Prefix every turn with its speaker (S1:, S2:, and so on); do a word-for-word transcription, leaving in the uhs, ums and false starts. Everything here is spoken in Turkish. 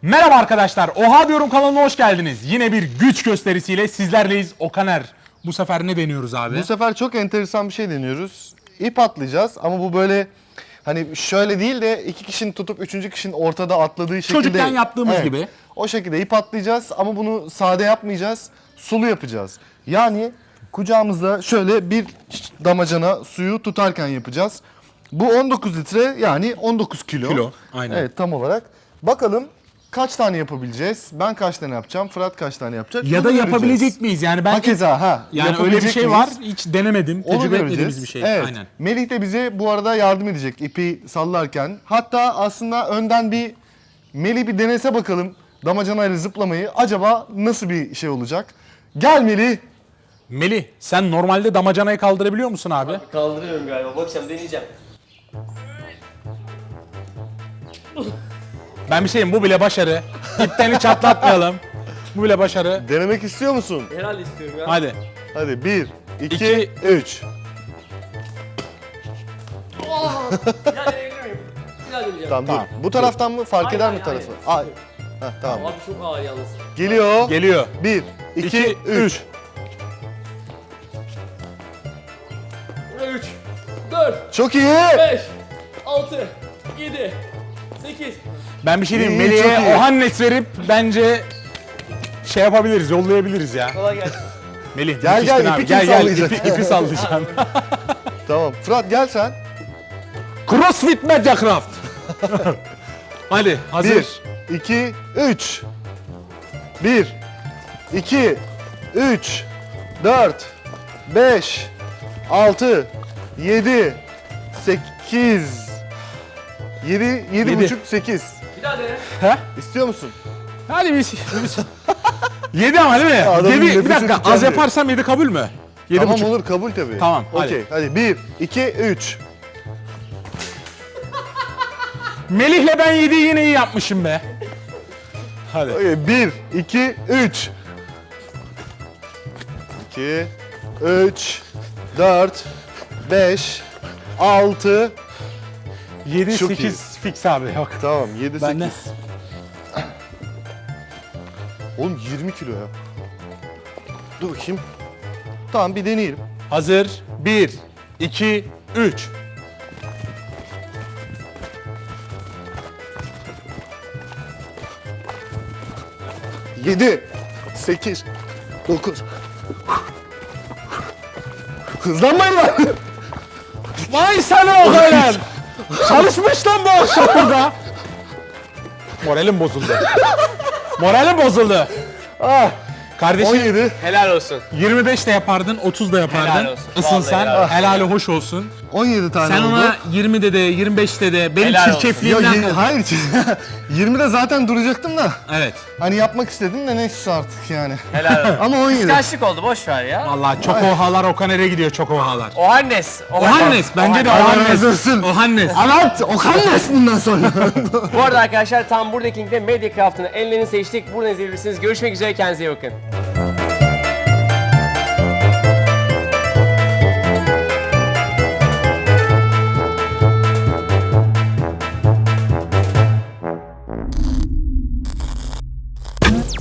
S1: Merhaba arkadaşlar, Oha Diyorum kanalına hoş geldiniz. Yine bir güç gösterisiyle sizlerleyiz. Okaner. Bu sefer ne deniyoruz abi?
S2: Bu sefer çok enteresan bir şey deniyoruz. İp atlayacağız ama bu böyle hani şöyle değil de iki kişinin tutup üçüncü kişinin ortada atladığı şekilde.
S1: Çocukken yaptığımız
S2: Evet,
S1: gibi.
S2: O şekilde ip atlayacağız ama bunu sade yapmayacağız. Sulu yapacağız. Yani kucağımızda şöyle bir damacana suyu tutarken yapacağız. Bu on dokuz litre yani on dokuz kilo.
S1: Kilo, aynen.
S2: Evet, tam olarak. Bakalım kaç tane yapabileceğiz? Ben kaç tane yapacağım? Fırat kaç tane yapacak?
S1: Ya da
S2: Bunu
S1: yapabilecek
S2: göreceğiz.
S1: miyiz? Yani ben
S2: Hakeza ha.
S1: yani öyle bir
S2: yapabilecek
S1: şey
S2: miyiz?
S1: var. Hiç denemedim.
S2: Onu
S1: Tecrübe
S2: göreceğiz.
S1: etmediğimiz bir şey.
S2: Evet.
S1: Aynen.
S2: Melih de bize bu arada yardım edecek ipi sallarken. Hatta aslında önden bir Melih bir denese bakalım damacanayla zıplamayı. Acaba nasıl bir şey olacak? Gel Melih.
S1: Melih, sen normalde damacanayı kaldırabiliyor musun abi?
S3: Kaldırıyorum galiba. Bakacağım, deneyeceğim.
S1: Ben bir şeyim, bu bile başarı. İpten hiç atlatmayalım. Bu bile başarı.
S2: Denemek istiyor musun?
S3: Herhalde istiyorum ya.
S1: Hadi.
S2: Hadi bir, iki,
S1: İki.
S2: üç.
S3: Bir daha deneyebilir miyim? Bir daha deneyeceğim.
S2: Tamam,
S1: Tamam,
S2: dur. Bu taraftan mı? Fark
S3: Hayır,
S2: eder
S3: hayır,
S2: mi tarafı?
S3: hayır.
S2: Ay. Heh, tamam.
S3: Abi çok ağır yalnız.
S2: Geliyor.
S1: Geliyor.
S2: Bir, iki,
S1: İki,
S2: üç.
S3: üç, dört,
S2: Çok iyi.
S3: beş, altı, yedi, sekiz.
S1: Ben bir şey diyeyim.
S2: İyi, çok iyi.
S1: Melih'e Ohannes verip bence şey yapabiliriz, yollayabiliriz ya.
S3: Kolay gelsin.
S1: Melih,
S2: Gel,
S1: müthiştin
S2: gel,
S1: abi.
S2: ipi kim
S1: Gel gel,
S2: sallayacak?
S1: ipi, ipi sallayacaksın.
S2: Tamam. Fırat gel sen.
S1: CrossFit Mediacraft. Hadi, hazır.
S2: Bir, iki, üç. Bir, iki, üç, dört, beş, altı, yedi, sekiz. Yedi, yedi
S1: Yedi.
S2: buçuk, sekiz.
S3: Bir daha dene.
S1: He?
S2: İstiyor musun?
S1: Hadi biz. biz. Yedi ama değil mi?
S2: Adamın
S1: Yedi, bir
S2: nefesi
S1: dakika, az
S2: tükendi.
S1: yaparsam yedi kabul mü? Yedi
S2: Tamam
S1: buçuk.
S2: olur, kabul tabii.
S1: Tamam, hadi.
S2: Okey, hadi. Bir, iki, üç.
S1: Melih'le ben yediyi yine iyi yapmışım be. Hadi.
S2: Okey, bir, iki, üç. İki, üç, dört, beş, altı.
S1: Yedi,
S2: Çok
S1: sekiz fix abi. Yok.
S2: Tamam, yedi,
S1: Ben de.
S2: sekiz. Oğlum yirmi kilo ya. Dur bakayım. Tamam, bir deneyelim.
S1: Hazır. Bir, iki, üç.
S2: Yedi, sekiz, dokuz. Hızlanmayın lan.
S1: Vay sana Okaner. Çalışmış lan bu akşam burada. Moralim bozuldu. Moralim bozuldu.
S2: Ah,
S1: Kardeşim
S2: on yedi.
S3: Helal olsun.
S1: yirmi beş de yapardın, otuz da yapardın.
S3: Helal olsun.
S1: Isınsan,
S3: Vallahi helal olsun.
S1: helali hoş olsun.
S2: on yedi tane
S1: Sen
S2: oldu.
S1: ona yirmide de, yirmi beşte de, benim
S3: Helal olsun.
S2: Ya,
S1: çirkefliğimden...
S2: ye- hayır, yirmide zaten duracaktım da.
S1: Evet.
S2: Hani yapmak istedim de neyse artık yani.
S3: Helal olsun.
S2: Ama on yedi.
S3: Kıskançlık oldu, boş ver ya.
S1: Vallahi çok ohalar Okaner'e gidiyor, çok ohalar.
S3: Ohannes.
S1: Ohannes, bence de
S2: Allah
S1: Ohannes.
S2: razı olsun.
S1: Ohannes.
S2: Evet, Okannes bundan sonra.
S3: Bu arada arkadaşlar tam buradaki linkte Mediacraft'ın enlerini seçtik. Buradan izleyebilirsiniz. Görüşmek üzere, kendinize iyi bakın.